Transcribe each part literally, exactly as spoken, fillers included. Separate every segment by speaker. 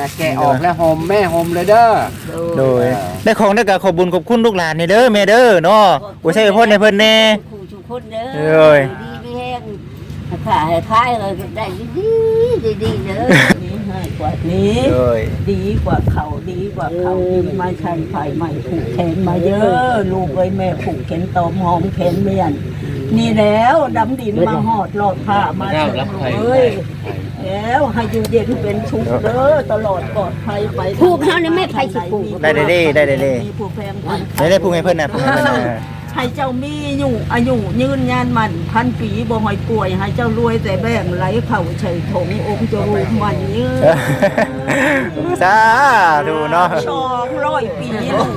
Speaker 1: นะแกะออกแล้วหอมแม่หอมเลยเด้อ
Speaker 2: โดยได้ของได้ก็ขอบบุญขอบคุณลูกหลานนี่เด้อแม่เด้อเนาะบ่ใช่พ่นให้เพิ่นแน่
Speaker 3: คู่ชุกคนเด้อ
Speaker 2: เอ้ย
Speaker 3: ดีไม่แห้งขายขายเลยได้ดีดีดีเด้อนี่ให้กว่านี้
Speaker 2: เอ้ย
Speaker 3: ดีกว่าเขาดีกว่าเขาดีไม่ใช่ไฟใหม่ผูกแขนมาเยอะลูกเอ้ยแม่ผูกแขนตอมหอมแขนเมียนนี่แล้วดำดินมาหอดหลอดผ้ามาเถอะเอ้ยแล้วให้อยู่เย็นเป็นชุกเด้อตลอดปลอดภัยไป
Speaker 4: ผูกเขาเนี่ยไม่ไผสิผูก
Speaker 2: ได้ได้ได้ได้ได้ได้
Speaker 3: มีผู้แพงพัน
Speaker 2: ได้ได้พูดให้เพิ่นน่ะพูดให้เพิ่นน่ะ
Speaker 3: ให้เจ้ามีอยู่อายุยืนยานมันพันปีบ่หอยป่วยให้เจ้ารวยแต่แบ่งไหลเข่าเฉยถงองค์จะรูปมันยืน
Speaker 2: สาธุเนาะ
Speaker 3: สองร้อยปี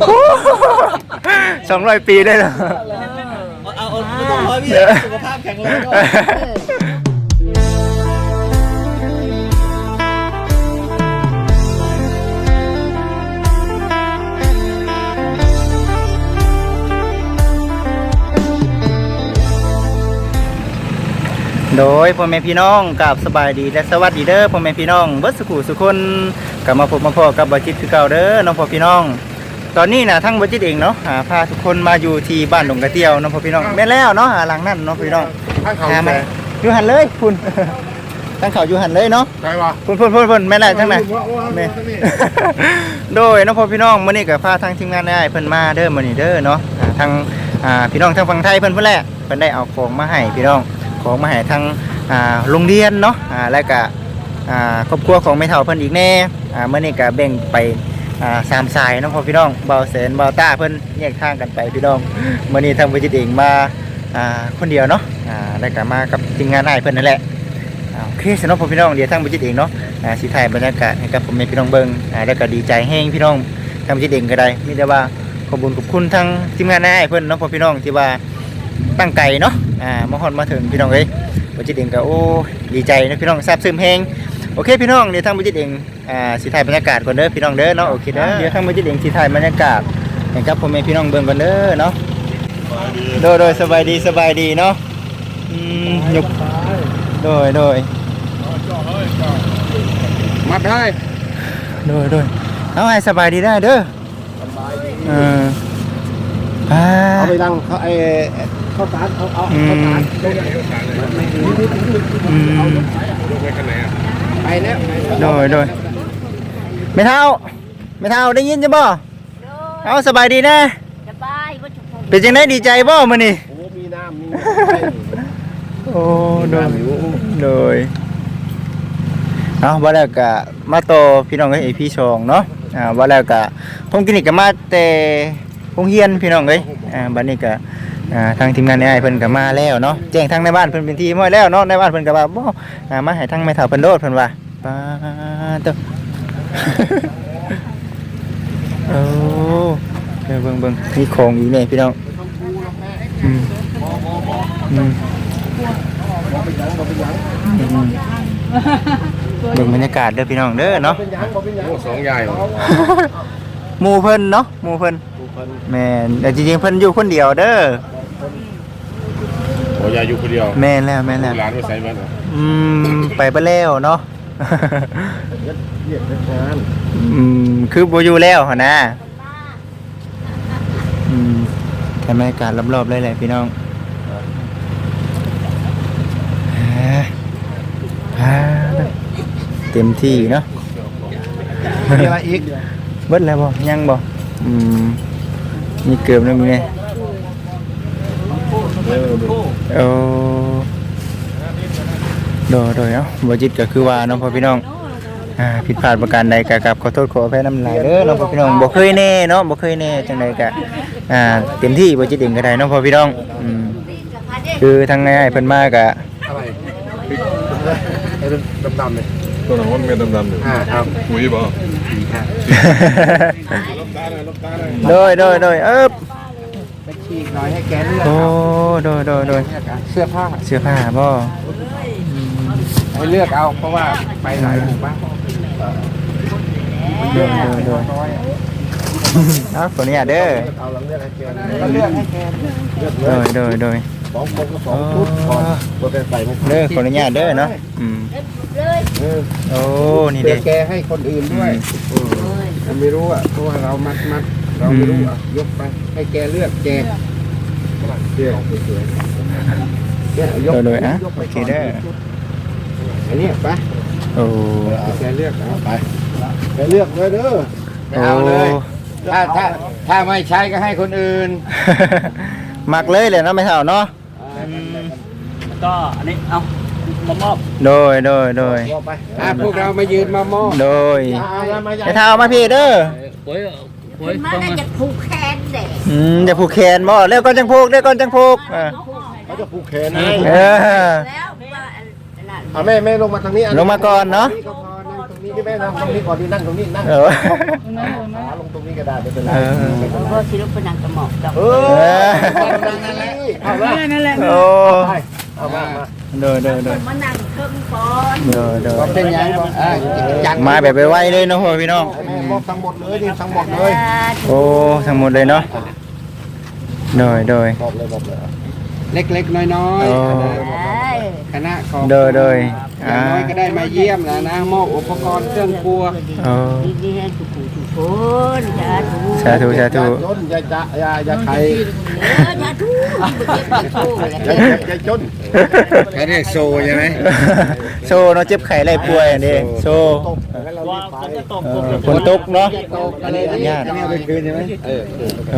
Speaker 2: สองร้อยปีได้เหรอ
Speaker 1: เอาเอาไม่ต้องร้อยพี่สุขภาพแข็งแรงก็
Speaker 2: โดยพ่อแม่พี่น้องกับสบายดีและสวัสดีเด้อพ่อแม่พี่น้องเบิดสุขุสุคนกลับมาพบมาพอกับบจิตคือเก่าเด้อน้องพ่อพี่น้อง ตอนนี้นะทั้งบจิตเองเนาะหาพาทุกคนมาอยู่ที่บ้านดงกระเตียวน้องพ่อพี่น้องแม่นแล้วเนาะหาหลังนั่นน้องพี่น้อง
Speaker 1: ข้างเขา
Speaker 2: หา
Speaker 1: แม่
Speaker 2: มาอยู่หันเลยคุณ ทั้งเขาอยู่หันเลยเนาะ
Speaker 1: ใช่ปะ
Speaker 2: พุ่นพุ่นพุ่นพุ่นแม่นแล้วทั้งนั้นแม่ โดยน้องพ่อพี่น้องมื้อนี้ก็พาทางทีมงานได้เพิ่นมาเด้อมื้อนี้เด้อเนาะอ่าทางอ่าพี่น้องทางฝั่งไทยเพิ่นเพิ่นแหละเพิ่นได้เอาของมาให้พี่น้องของมาให้ทางอ่าโรงเรียนเนาะอ่าแล้วก็อ่าครอบครัวของแม่เฒ่าเพิ่นอีกแน่อ่ามื้อนี้ก็แบ่งไปอ่าสามสายเนาะพ่อพี่น้องเบาแสนเบาต้าเพิ่นแยกทางกันไปพี่น้องมื้อนี้ทางวิจิตรเองมาอ่าคนเดียวเนาะอ่าแล้วก็มากับทีมงานอ้ายเพิ่นนั่นแหละอ่าโอเคสำหรับพ่อพี่น้องเดี๋ยวทางวิจิตรเองเนาะอ่าสิถ่ายบรรยากาศให้กับพ่อแม่พี่น้องเบิ่งอ่าแล้วก็ดีใจแฮงพี่น้องทางวิจิตรเองก็ได้มีแต่ว่าขอบคุญขอบคุณทางทีมงานอ้ายเพิ่นเนาะพ่อพี่น้องที่ว่าตั้งไกลเนาะอ่ามาฮอดมาถึงพี่น้องเอ้ยวิจิตรเองก็โอ้ดีใจนะพี่น้องซาบซึ้งแฮงโอเคพี่น้องเดี๋ยวทางวิจิตรเองอ่าสิถ่ายบรรยากาศก่อนเด้อพี่น้องเด้อเนาะโอเคเด้อเดี๋ยวทางวิจิตรเองสิถ่ายบรรยากาศให้กับพ่อแม่พี่น้องเบิ่งก่อนเด้อเนาะโดยโดยสบายดีสบายดีเนาะอืมยกโดยโดย
Speaker 1: มัดให้
Speaker 2: โดยโดยเอาให้สบายดีได้เด้อเอออ่า
Speaker 1: เอาไปดังเขาไอ้ข้าวสารเอาเอา
Speaker 2: อื
Speaker 1: ข้าว
Speaker 2: ม
Speaker 1: สาร
Speaker 2: อืม
Speaker 1: ไปแล้ว
Speaker 2: โดยโดยไม่เท่าไม่เท่าได้ยินจ้ะบ่เอาสบายดีนะ
Speaker 4: สบายบ่ทุกคน
Speaker 2: เป็นจังได๋ดีใจบ่มื้อนี้
Speaker 1: โอ้มีน้ำมี
Speaker 2: โอ้โดยโดยเอาว่าแล้วก็มาโตอพี่น้องเอ้ย อี พี สองเนาะอ่าว่าแล้วก็ผมกินนี่ก็มาแต่โรงเรียนพี่น้องเอ้ยอ่าบัดนี้ก็อ่าทางทีมงานอ้ายเพิ่นก็มาแล้วเนาะแจ้งทางในบ้านเพิ่นเป็นที่ม้อยแล้วเนาะในบ้านเพิ่นก็ว่าบ่อ่ามาให้ทางแม่เฒ่าเพิ่นโดดเพิ่นว่าปาโต โอ้เดี๋ยวเบิ่งเบิ่งมีของอีกนี่พี่น้องอืมอืมอืมเบิ่งบรรยากาศเด้อพี่น้องเด้อเนาะ
Speaker 1: โอ้สองใหญ่
Speaker 2: หมู่เพิ่นเนาะหมู่เพิ่นแม่นแต่จริงๆเพิ่นอยู่คนเดียวเด้อ
Speaker 1: โอ้ยายอยู่คนเดียว
Speaker 2: แม่นแล้วแม่นแล้ว
Speaker 1: ร้านไม่ใส่บ้านเหรอ
Speaker 2: อืมไปเบ่แล้วเนาะ
Speaker 1: เรียกงาน
Speaker 2: อืมคือบ่อยู่แล้วหั่นนะอืมแค่บรรยากาศรอบๆเลยแหละพี่น้องอ่าอ่าเต็มที่เนาะ
Speaker 1: มีอะไรอีก
Speaker 2: เบิดแล้วบ่ยังบ่อืมมีเกือบแล้วมีไง
Speaker 1: เออ
Speaker 2: โอ้โดยโดยเนาะบ่จิตก็คือว่าเนาะพ่อพี่น้องอ่าผิดพลาดประการใดก็กราบขอโทษขออภัยนำหลายเด้อเนาะพ่อพี่น้องบ่เคยแน่เนาะบ่เคยแน่จังไดก็อ่าเต็มที่บ่จิตเองก็ได้เนาะพ่อพี่น้องอืมคือทางง่ายๆเพิ่นมาก็
Speaker 1: อะไรไอ้ดำๆเลย
Speaker 5: ตัวหนังมันเป็นดำๆอยู่
Speaker 1: อ่าครับ
Speaker 5: ปุ๋ยบ่
Speaker 2: โดยโดยโดยเอิบ
Speaker 1: ไปฉีกหน่อยให้แกเลือก
Speaker 2: โอ้โดยโดยโดย
Speaker 1: เสื้อผ้า
Speaker 2: เสื้อผ้าบ่
Speaker 1: ให้เลือกเอาเพราะว่าไปหลายหมู่บ้าน
Speaker 2: โดยโดยโดยเอาขออนุญาตเด้อ
Speaker 1: เอาเราเลือกให้แกก็เลือกให้แกเลือกเล
Speaker 2: โด
Speaker 1: ย
Speaker 2: ยโดยโดย
Speaker 1: สองคนก็สองชุดก่อนตัวเป็นใส่ไม่
Speaker 2: เด้อขออนุญาตเด้อเนาะอืม
Speaker 4: เลย
Speaker 1: เออ
Speaker 2: โอ้นี่
Speaker 1: เพื่
Speaker 2: เด้
Speaker 1: อแกให้คนอื่นด้วยเราไม่รู้อ่ะเพราะว่าเรามัดมัดเราไม่รู้อ่ะยกไปให้แกเลือกแจกเลือกสวยๆเนี่ยยก
Speaker 2: โดยๆอ่ะ
Speaker 1: ยกไป
Speaker 2: โอเค
Speaker 1: ก่อน
Speaker 2: เด้อ
Speaker 1: อันนี้ไป
Speaker 2: โอ้
Speaker 1: แกเลือกเอาไปแกเลือกเลยเด้อ
Speaker 2: โอ้
Speaker 1: ถ้าถ้าถ้าไม่ใช้ก็ให้คนอื่น
Speaker 2: มักเลยเลยเนาะไม่เท่าเนาะ
Speaker 5: ก็อันนี้เอามามอบ
Speaker 2: โดยโดยโดย
Speaker 1: ไปอ่ะพวกเรามายืนมามอบ
Speaker 2: โดย
Speaker 1: เอาละมา
Speaker 2: ไม่เท่ามาพี่เด้อ
Speaker 5: โอ้ยโอ้ย
Speaker 4: ขึ้นมา
Speaker 5: ต้อง
Speaker 4: ได้
Speaker 5: มา
Speaker 4: จะผูกแขนเด็ก
Speaker 2: อืมอย่าผูกแขนบ่เร็วก่อนจังผูกเร็วก่อนจังผูกอ่า
Speaker 1: เขาจะผูกแขนให้
Speaker 2: เออ
Speaker 4: แล้วว่าอันนั้น
Speaker 1: เอาแม่แม่ลงมาทางนี้
Speaker 2: ลงมาก่อนเนาะ
Speaker 1: ก็พอนั่งตรงนี้ที่แม่นั่งตรงนี้ก่อนที่นั่งตรงนี้นั่ง
Speaker 2: เออ
Speaker 1: ขาลงตรงนี้ก็ได้ไม่เป็นไร
Speaker 2: เออ
Speaker 4: เพราะศิลปินนางกระหม่อมดอก
Speaker 1: เอ
Speaker 2: เอ
Speaker 1: อ
Speaker 2: อ
Speaker 1: นั่นแหละเอาละ
Speaker 5: นั่นแหละ
Speaker 2: โอ้
Speaker 1: เอามามา
Speaker 2: โดยโดยโดย
Speaker 4: มานั่งเครื่องก่อน
Speaker 2: โดยโดย
Speaker 1: เป็นยังอ่าจัด
Speaker 2: มาแบบไวๆเลยเนาะพ่อพี่น้อง
Speaker 1: แม่บอกทั้งหมดเลยนี่ทั้งหมดเลย
Speaker 2: โอ้ทั้งหมดเลยเนาะโดยโดย
Speaker 1: บอกเลยบอกเลยเล็กๆน้อย
Speaker 2: โอ้
Speaker 1: ๆคณะของ
Speaker 2: โดยโดย
Speaker 1: อย่า
Speaker 2: อ่าง
Speaker 1: น้อยก็ได้มาเยี่ยมแล้วนะมอบอุปกรณ์เครื่องครัว
Speaker 2: โอ้
Speaker 4: ดีดีให้ทุกผู้ทุกคนสาธุ
Speaker 2: สาธุสาธุ
Speaker 1: จนอย่าจะอย่าอย่าใคร
Speaker 4: เออสาธุเก็บไปโชว์เลย
Speaker 1: อย่าอย่าจนแค่นี้โซใช่ไหม
Speaker 2: โซเนาะเจ็บไข้ไรป่วยอันนี้โซ
Speaker 5: ว่าฝนจะตก
Speaker 2: เออฝนตกเนาะ
Speaker 1: อันนี้อันนี้อันนี้เอาไปคืนใช่ไหมเออ
Speaker 2: โอ้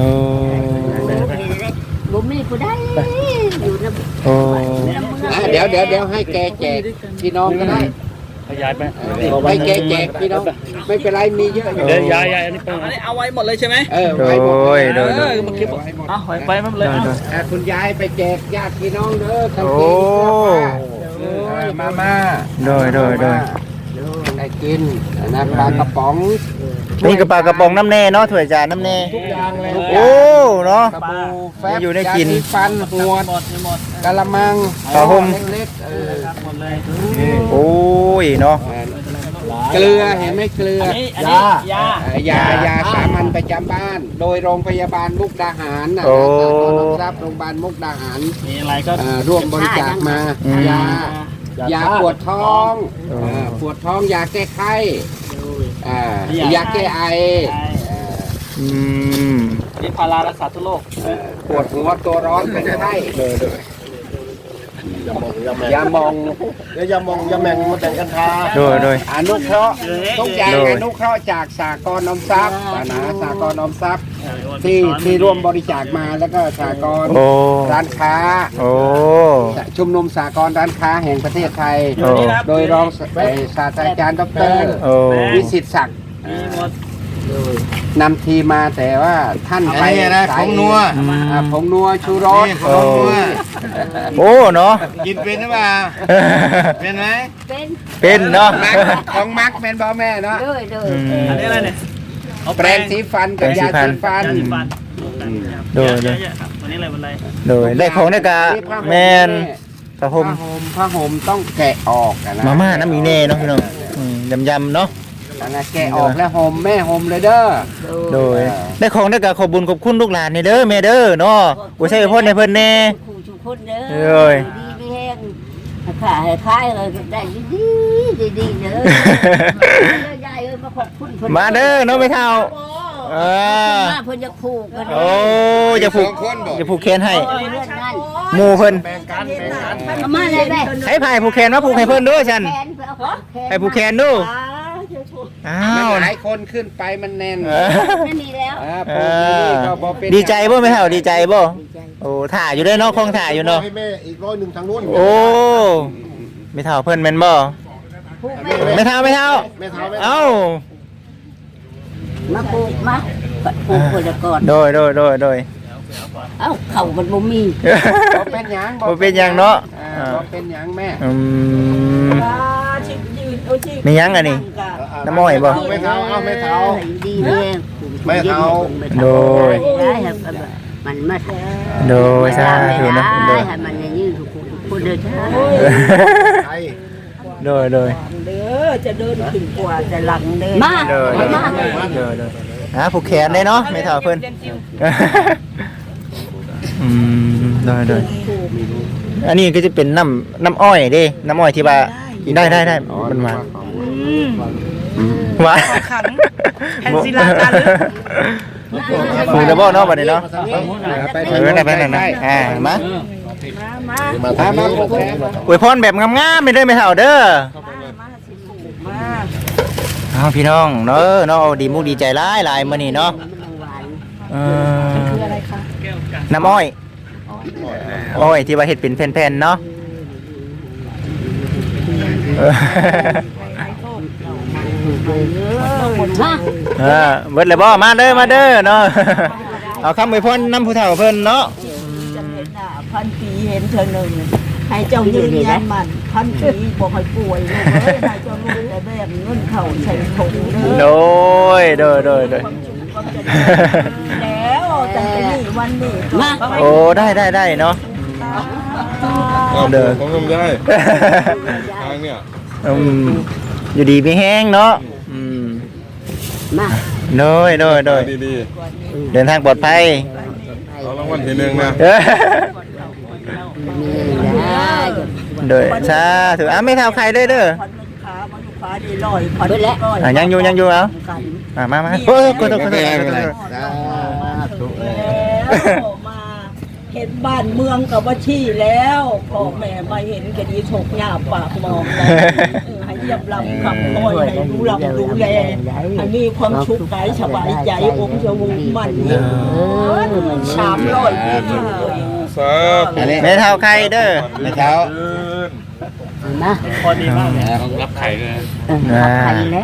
Speaker 4: บ่มีผู้ใดอยู่นำ
Speaker 2: โอ้
Speaker 1: อ่ะเดี๋ยวเดี๋ยวเดี๋ยวให้แกแจกพี่น้องก็ได้
Speaker 5: ขยายไป
Speaker 1: ให้แกแจกพี่น้องไม่เป็นไรมีเยอะอยู่
Speaker 5: เดี๋ยวยายยายอันนี้อันนี้เอาไว้หมดเลยใช่ไหม
Speaker 1: เออ
Speaker 2: โด
Speaker 1: ไว้หมด
Speaker 2: ยโดย
Speaker 5: เอ
Speaker 2: โด
Speaker 5: อย มาคลิปเอาไว้ไปไม่เป็นไร
Speaker 2: โดยโดย
Speaker 1: อ่ะคุณยายไปแจกญาติพี่น้องเด้อทั้ง
Speaker 2: โอ้
Speaker 1: ทีเออมามา
Speaker 2: โดยโดยโดย
Speaker 1: ได้กินนะปลากระป๋อง
Speaker 2: นี่กระปากระป๋องน้ำแน่เนาะถ้วยจานน้ำแน่
Speaker 1: ทุกอย่างเลย
Speaker 2: โอ้เนาะ
Speaker 1: กระปูแฟบ
Speaker 2: อยู่ได้กิน
Speaker 1: ยาสีฟันหวด
Speaker 5: หมดหมด
Speaker 1: กะละมัง
Speaker 2: ผ้าห่ม
Speaker 1: เล็กๆเออ
Speaker 5: หมดเลย
Speaker 2: โอ้ยเนาะ
Speaker 1: เกลือเห็นไหมเกลือ
Speaker 5: อันนี้อันนี้ยา
Speaker 1: เอ่อยายาสามัญประจำบ้าน โดยโรงพยาบาลมุกดาหารนะ
Speaker 2: โอ้
Speaker 1: สาธารณทรัพย์โรงพยาบาลมุกดาหาร
Speaker 5: มีอะไรก็
Speaker 1: อ่าร่วมบริจาคมา
Speaker 2: อืม
Speaker 1: ยายาปวดท้องอ่าปวดท้องยาแก้ไข้อ่ายาแก้ไออ่า
Speaker 2: อืม
Speaker 5: นี่พารารักษาทุกโรค
Speaker 1: ปวดหัวตัวร้อนเป็นไข้ยามอง
Speaker 6: เดี๋ยวยามองยาแมงมาแต่งกันทา
Speaker 2: โดยโดย
Speaker 1: อนุเคราะห์ทุกอย่าง
Speaker 2: โดย
Speaker 1: อนุเคราะห์จากสากลออมทรัพย์นะสากลออมทรัพย์ที่ที่ร่วมบริจาคมาแล้วก็สากล
Speaker 2: โอ้
Speaker 1: ร้านค้า
Speaker 2: โอ้
Speaker 1: ชุมนุมสากลร้านค้าแห่งประเทศไทย
Speaker 2: โอ้
Speaker 1: โดยรองศาศาสตราจารย์ดร
Speaker 2: โอ้
Speaker 1: วิสิตศักดิ์
Speaker 5: มีหมด
Speaker 1: นำทีมมาแต่ว่าท่านไป
Speaker 6: อันนี้นะ
Speaker 1: สา
Speaker 6: ผ
Speaker 1: ย
Speaker 6: งนัว
Speaker 1: อ่าผงนัวชูรส
Speaker 6: นี่ของนัว
Speaker 2: โอ้เนาะ
Speaker 6: กินเป็นหรือเปล่าเป็นไหม
Speaker 4: เป็น
Speaker 2: เป็นเนาะ
Speaker 1: มักของมักแม่นบ่แม่เนาะ
Speaker 4: เด้อเด้อ
Speaker 2: อืม
Speaker 5: อันนี้อะไรเนี่ยเอา
Speaker 1: แปรงสีฟันกับ
Speaker 2: แปรงสี
Speaker 1: ยา
Speaker 2: ฟัน
Speaker 1: สีฟัน
Speaker 5: ยาสีฟัน
Speaker 2: โดยโดย
Speaker 5: เอะๆครับวันนี้อะไรวันอะไร
Speaker 2: โดยได้ของได้กะแมนผ้าห่ม
Speaker 1: ผ้าห่มผ้าห่มต้องแกะออกอะนะ
Speaker 2: มาม่าน้ำมีแน่เนาะพี่น้องอืมยำยำๆเนาะ
Speaker 1: อันนั้นแกะออกแล้วห่มแม่ห่มเลยเด้อ
Speaker 2: โดยได้ของได้กะขอบบุญขอบคุณลูกหลานนี่เด้อแม่เด้อเนาะกูใช้พ่อในเพิ่นแน่
Speaker 4: ผู้ทุกคนเด้อ
Speaker 2: เอ้ย
Speaker 4: ดีมีแห้งขายให้ขายเลยได้ดีดีดีเด้อเด้อยายเอ้ยมาขอบคุณเพิ่น
Speaker 2: มาเด้อเนาะไม่เท่าเออ
Speaker 4: มาเพิ่นจะผูกกัน
Speaker 2: โอ้อย่าผูกอย่าผูกแขนให้
Speaker 4: เรื่องนั้น
Speaker 2: หมู่เพิ่น
Speaker 4: เอามาเลยแม่
Speaker 2: ให้พายผูกแขนมาผูกให้เพิ่นด้วยฉัน
Speaker 4: แขนไปเอาของแขน
Speaker 2: ให้ผูกแขนดูอ้า
Speaker 1: มัน
Speaker 2: ว
Speaker 1: หลายคนขึ้นไปมันแน่น
Speaker 2: เออ
Speaker 4: ไม่มีแล้ว
Speaker 1: อ่า
Speaker 2: เอ
Speaker 1: ปลูกที่นี่ก็บ่เป็น
Speaker 2: อดีใจบ่ไม่เท่าดีใจบ่โอ้ถ่ายอยู่ด้วยเนาะคงถ่ายอยู่เนาะ
Speaker 6: ให้แม่อีกร้อยหนึ่งทางนู้น
Speaker 2: โอ้ไม่เท่าเพิ่นแม่นบ่
Speaker 4: ผูกแม่
Speaker 2: ไม่เท่าไม่เท่า
Speaker 6: แม่เท้าแม่
Speaker 2: เอ้า
Speaker 4: มาผูกมาผูกคนละก่อน
Speaker 2: โดยโดยโดยโดย
Speaker 4: เอ้าเข่ามันบ่มี
Speaker 1: บ่เป็นหยัง
Speaker 2: บ่เป็นหยังเนาะ
Speaker 1: อ่าบ่เป็นหยังแม่
Speaker 2: อืมมีหยังอันนี้ น้ำอ้อยบ่
Speaker 6: แม่เท้าเอาแม่เท้า
Speaker 4: ดีแม่
Speaker 6: แม่เท้า
Speaker 2: โดย
Speaker 4: ได้ครับมันมา
Speaker 2: โดยสาธุเนาะโด
Speaker 4: ได้
Speaker 2: ย
Speaker 4: ให้มันยืนทุกคนทุกคนเดินช้า
Speaker 6: ไทย
Speaker 2: โดยโดย
Speaker 3: เด้อจะเดินขึ้นกว่าจะหลังเดิน
Speaker 4: มา
Speaker 2: โดย
Speaker 4: มา
Speaker 2: โดยโดยอ่ะผูกแขนได้เนาะไม่เท่าเพิ่นอืมได้ได้อันนี้ก็จะเป็นน้ำน้ำอ้อยเด้น้ำอ้อยที่ว่าได้ได้ได้มันหวานหวาน
Speaker 3: ขังแผ่นศิลาจารึก
Speaker 2: ฟูดับเบิลเนาะบัดนี้เนาะ
Speaker 1: ไป
Speaker 2: เออได้ไปนั่นนะอ่ามา
Speaker 6: มาทางนี้
Speaker 2: อวยพรแบบงามๆไม่ได้ไม่เท่าเด้อเอาพี่น้องเนาะเนาะเอาดีมุกดีใจหลายหลายมื้อนี้เนาะเออน้ำอ้อยอ้อยที่ว่าเฮ็ดเป็นแผ่นๆเนาะเออ เออเบิดเลยบ่มาเด้อมาเด้อเนาะ เอาคำอวยพรนำผู้เฒ่าเพิ่นเนาะ
Speaker 3: จะเห็นหน้าพันปีเห็นเธอหนึ่งให้เจ้ายืนยันมันพันปีบอกให้ป่วยลูกเอ้ยให้เจ้าลูกแต่แบบเงินเข่าใส่ถุงเด้
Speaker 2: โด
Speaker 3: อย
Speaker 2: โดยโดยโดย
Speaker 3: แล้วแต่นี่วันนี้มา
Speaker 2: โอ้ได้ได้ได้เนาะเด้อ
Speaker 6: ผมทำได้ทางเนี่ย
Speaker 2: อืมอยู่ดีมีแห้งเนาะอืม
Speaker 4: มา
Speaker 2: โดยโดยโดย
Speaker 6: ดี
Speaker 2: เดินทางปลอดภัย
Speaker 6: ๆเอารางวัลทีหนึ่งนะ
Speaker 2: เอ้ย
Speaker 4: มีนะ
Speaker 2: โดยชาถืออ่ะไม่เท่าใครเด้อเด้อ
Speaker 3: พันขามาลูกค้าดีลอยพันก้อย
Speaker 2: อ่ะยังอยู่ยังอยู่เอาอ่ะมามาโอ้ยกดกดกดกด
Speaker 3: แล้วมาเห็นบ้านเมืองกับว่าชี้แล้วพ่อแม่มาเห็นก็ดีถกหญ้าปากมองเลยให้เยี่ยมลำขับคอยให้รู้ลำรู้แลให้มีความชุกข์กายสบายใจองค์ชวูมันยิ่งสามร้อยปีเลย
Speaker 6: สาธุ
Speaker 2: ไม่เท่าใครเด้อ
Speaker 1: ไม่เท้า
Speaker 4: มา
Speaker 5: พอดีมากเลยต้องรับไข่เลย
Speaker 2: อ่า
Speaker 4: ใครแล้ว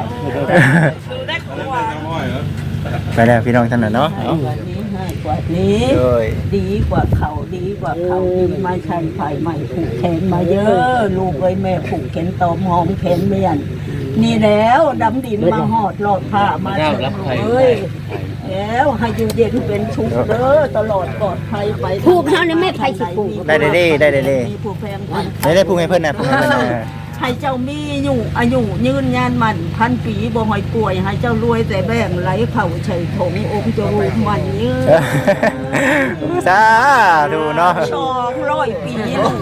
Speaker 2: ไปแล้วพี่น้องท่านน่ะเนาะ
Speaker 3: กว่านี้ให้กว่านี้
Speaker 2: โดย
Speaker 3: ดีกว่าเขาดีกว่าเขาดีไม่ใช่ไฟใหม่ผูกแขนมาเยอะลูกเอ้ยแม่ผูกแขนตอมหอมแขนเมียนนี่แล้วดำดินมาหอดหลอดผ้ามาเถอะเอ้ยแล้วให้อยู่เย็นเป็นชุกเด้อตลอดปลอดภัยไป
Speaker 4: ผูกเท่านั้นไม่ใครสิผูก
Speaker 2: ได้ได้ได้ได้ได้ได้
Speaker 3: มีผู้แพงพัน
Speaker 2: ได้ได้พูดให้เพิ่นน่ะพูดให้เพิ่นน่ะ
Speaker 3: ให้เจ้ามีอยู่อายุยืนยานมันพันปีบ่หอยป่วยให้เจ้ารวยแต่แบ่งไหลเข่าใช้ถงองค์จะรูปมันยืน
Speaker 2: สาธุเนาะ
Speaker 3: สองร้อยปี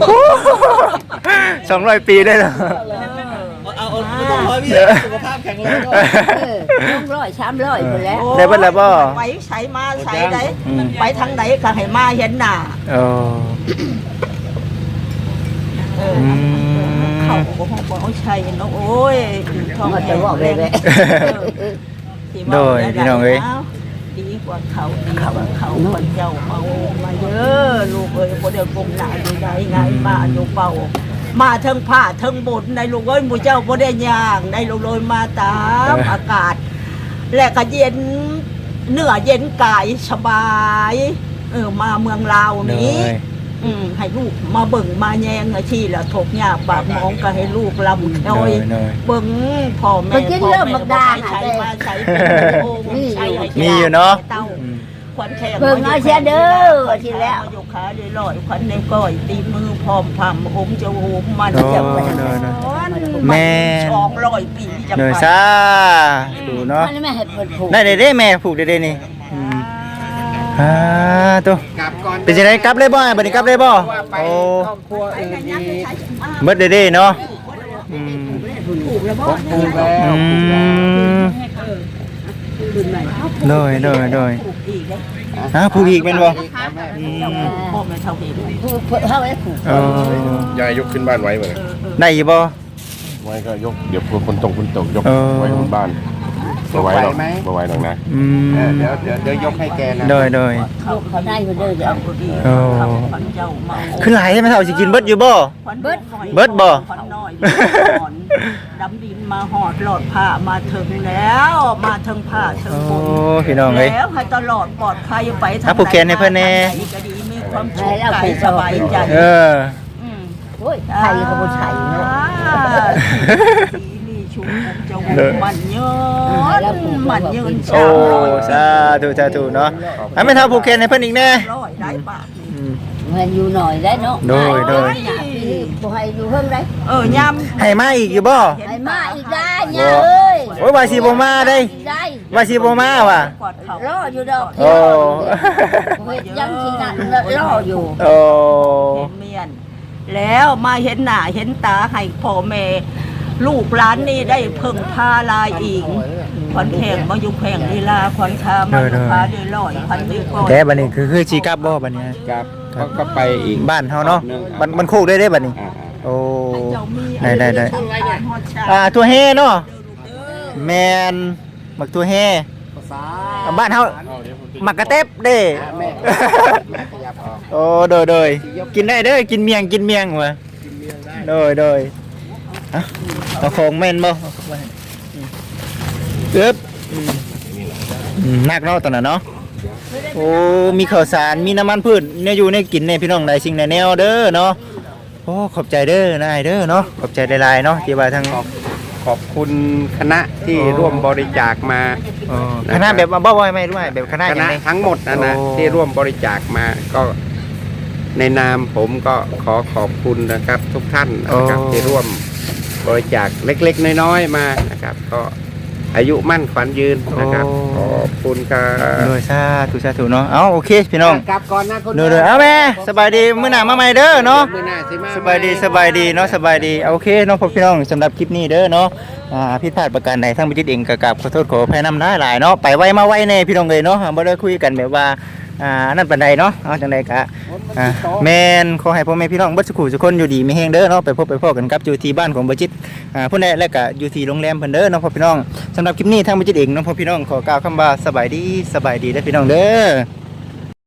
Speaker 2: สองร้อยปีได้เหรอ
Speaker 5: เอาเอาไม่ต้องร้อยพี่สุขภาพแข็งแรงก็
Speaker 4: ต้องร้อยสามร้อยคนแล้ว
Speaker 2: ได้เบิดแล้วบ่
Speaker 3: ไปใช้มาใช้ได้ไปทางไหนก็ให้มาเห็นหน้า
Speaker 2: โอ้
Speaker 3: เออ
Speaker 2: อืม
Speaker 3: เขาบอกว่าบ่ใช่เนาะโอ้ยท้อง
Speaker 4: มันจะบอกเลยแหละ
Speaker 2: โดยพี่น้องเอ้ย
Speaker 3: ดีกว่าเขาดีกว่าเขาคนเจ้าเอามาเยอะลูกเอ้ยบ่ได้กลมหน้าอยู่ใดไงมาอยู่เป่ามาเทิงผ้าเทิงบนในลูกเอ้ยหมู่เจ้าบ่ได้ย่างในลูกเลยมาตามอากาศ และก็เย็นเนื้อเย็นกายสบายเออมาเมืองลาว
Speaker 2: โด
Speaker 3: นี้
Speaker 2: ย
Speaker 3: อืมให้ลูกมาเบิ่งมาแยงอาชีพละถกหญ้าปากหมองก็ให้ลูกลำ
Speaker 2: โด
Speaker 3: น้อย
Speaker 2: ยโดย
Speaker 3: เบิ่งพ่อแม่
Speaker 4: มันกิน
Speaker 3: พ่อ
Speaker 4: เริ่ม
Speaker 3: แม่
Speaker 4: บักดา
Speaker 3: ใช้
Speaker 4: หา
Speaker 3: มา
Speaker 4: แต่
Speaker 3: ใช้เป็นโอ้
Speaker 4: มีอยู่
Speaker 3: ใช้ให้
Speaker 2: มีอยู่เนาะ
Speaker 3: เต้า
Speaker 2: อืม
Speaker 3: ขวัญแขก
Speaker 4: เบิ่งเอาเสียเด้อว่าทีแล้ว
Speaker 3: โยกขาได้ลอยขวัญในก้อยตีมือพร้อมพำองค์จะโหมมัน
Speaker 2: โดย
Speaker 3: จะ
Speaker 2: โดยโดย
Speaker 3: แม่
Speaker 2: แม่
Speaker 3: สองร้อยปีจะ
Speaker 2: โดย
Speaker 3: ไป
Speaker 2: สาธุเนาะ
Speaker 4: มันไม่ให้เปิดผูก
Speaker 2: ได้ได้ได้แม่ผูกได้ได้นี่อืมอ่าตัว
Speaker 1: กลับก่อน
Speaker 2: เป็นจังไดกลับเลยบ่บัดนี้กลับเลยบ่
Speaker 1: ว่าไป
Speaker 2: โอ้
Speaker 1: ครอบครัวอื่นอีก
Speaker 2: เบิดได้ได้เนาะอืม
Speaker 3: ถูกแล้วบ่
Speaker 1: ปลูกแล้ว
Speaker 2: อืมโดยโดยโดย
Speaker 3: ถูกอีกแล้ว
Speaker 2: ฮะผูกอีกแม่นบ่อืม
Speaker 3: พ่อแม่เท่าเดิม
Speaker 4: ผูกเท่าไอ้ผูก
Speaker 2: เออย
Speaker 6: ายยกขึ้นบ้านไว้เหมือน
Speaker 2: ได้อยู่บ่
Speaker 6: ไว้ก็ยกเดี๋ยวคนตกคนตกยก
Speaker 2: เออ
Speaker 6: ไว้บนบ้านมาไว้หรอกมาไว้หรอกนะ
Speaker 2: อืม
Speaker 1: เออเดี๋ยวเดี๋ยวเดี๋ยวยกให้แกนะ
Speaker 2: โดยโดย
Speaker 4: ลูกเขาได้อยู่เด้อเดี๋ยว
Speaker 3: เอาดี
Speaker 2: โอ้
Speaker 3: ทำขวัญเจ้าเมา
Speaker 2: คือหลายใช่ไหมเท่าสิกินเบิดอยู่บ่
Speaker 3: ขวัญเบิด
Speaker 2: เบิดบ่
Speaker 3: ขวัญน้อยขวัญดำดินมาหอดหลอดผ้ามาถึงแล้ว มาถึงผ้าถึง
Speaker 2: โอ้
Speaker 3: บน
Speaker 2: พี่น้องเอ้ย
Speaker 3: แล้วให้ตลอดปลอดภัยไปทาง
Speaker 2: อ่ะผูกแขนให้เพิ่นแน่
Speaker 3: ทางไหก็ดีมีความสุขกายสบายใจ
Speaker 2: เออ
Speaker 3: ม
Speaker 4: โอ้ยไข่เขาบ่ใช่เนาะ
Speaker 3: ดีนี่ชุมผมจะวงมันเยินมันเยิน
Speaker 2: โอ้
Speaker 3: สามร้อย
Speaker 2: สาธุสาธุเนาะให้แม่เท่าผูกแขนให้เพิ่นอีกแน่
Speaker 3: ร้อยได้บาท
Speaker 2: อืม
Speaker 4: ให้อยู่หน่อยได้เนาะ
Speaker 2: โดยโดย
Speaker 4: อยากปีบ่ให้อยู่เพิ่งได้
Speaker 3: เออยำ
Speaker 2: ให้มาอีกอยู่บ่
Speaker 4: ให้มาอีกได้เนี่ยเอ้ย
Speaker 2: โอ้ยว่าสิบ่มาเด้
Speaker 4: ได้
Speaker 2: ว่าสิบ่มาว่ะ
Speaker 3: กอดเขา
Speaker 4: รออยู่ดอก
Speaker 2: โอ้
Speaker 4: เฮ็ดยังสินั่นรออยู่
Speaker 2: โอ้
Speaker 3: เห็นเมียน แล้วมาเห็นหน้าเห็นตาให้พ่อแม่ลูกหลานนี่ได้เพิ่งพาลายอีกขวัญแข่งมาอยู่แข่งลีลาขวัญชามาอยู่พาได้ลอยพันได้ก่อน
Speaker 2: แต่บัดนี้คือคือสิกลับบ่บัดนี้
Speaker 1: ครับเขาก็ไปอีก
Speaker 2: บ้านเฮาเนาะมันมันโคกได้เด้บัดนี้
Speaker 1: อ่า
Speaker 2: โอ้
Speaker 3: เจ้ามี
Speaker 2: ได้ได้ได้
Speaker 3: ฮอดชา
Speaker 2: อ่าตัวเฮเนาะแมนมักตัวเฮบ้านเฮามักกระเต็บเด้
Speaker 1: ๆแม่แม่ขยับออก
Speaker 2: โอ้โดยโดยกินได้เด้อกินเมียงกินเมียงว่ะโดยโดยอ่ะเอาของแม่นบ่เอ๊บอืมอืมนักเนาะตอนนั้นเนาะโอ้มีข้าวสารมีน้ำมันพืชเนี่ยอยู่ในกินในพี่น้องได้สิ่งในแนวเด้อเนาะโอ้ขอบใจเด้อนายเด้อเนาะขอบใจหลายๆเนาะที่ว่าทาง
Speaker 1: ขอบคุณคณะที่
Speaker 2: อ๋อ
Speaker 1: ร่วมบริจาคมา
Speaker 2: อ๋อคณะแบบว่าบ่บ่ไม่รู้แบบคณะ
Speaker 1: ค
Speaker 2: อย่าง
Speaker 1: ณะ
Speaker 2: ไร
Speaker 1: ทั้งหมดนะนะ
Speaker 2: โอ้
Speaker 1: ที่ร่วมบริจาคมาก็ในนามผมก็ขอขอบคุณนะครับ ทุกท่านนะครับที่ร่วมบริจาคเล็กๆน้อยๆมานะครับ ก็อายุมั่นขวัญยืนนะครับขอบคุณครับ
Speaker 2: โดยสาธุสาธุเนาะเอาโอเคพี่น้อง
Speaker 1: กลับก่อนนะคุณ
Speaker 2: เด้อๆเอาแม่สบายดีมื้อหน้ามาใหม่เด้อเนาะ
Speaker 1: มื้อหน้าสิมา
Speaker 2: สบายดีสบายดีเนาะสบายดีเอาโอเคเนาะพ่อพี่น้องสำหรับคลิปนี้เด้อเนาะอ่าผิดพลาดประการใดทั้งบิจิตเองก็กราบขอโทษขออภัยนำได้หลายเนาะไปไวมาไวแน่พี่น้องเอ้ยเนาะบ่ได้คุยกันแบบว่าอ่านั่นปานใดเนาะเอาจังไดก็อ่าแม่นขอให้พ่อแม่พี่น้องเบิดสุขทุกคนอยู่ดีมีแฮงเด้อเนาะไปพบไปพ้อกันกับอยู่ที่บ้านของบิจิตอ่าผู้ใดและก็อยู่ที่โรงแรมเพิ่นเด้อเนาะพ่อพี่น้องสำหรับคลิปนี้ทางบิจิตเองเนาะพ่อพี่น้องขอกล่าวคำว่าสบายดีสบายดีเด้อพี่น้องเด้อ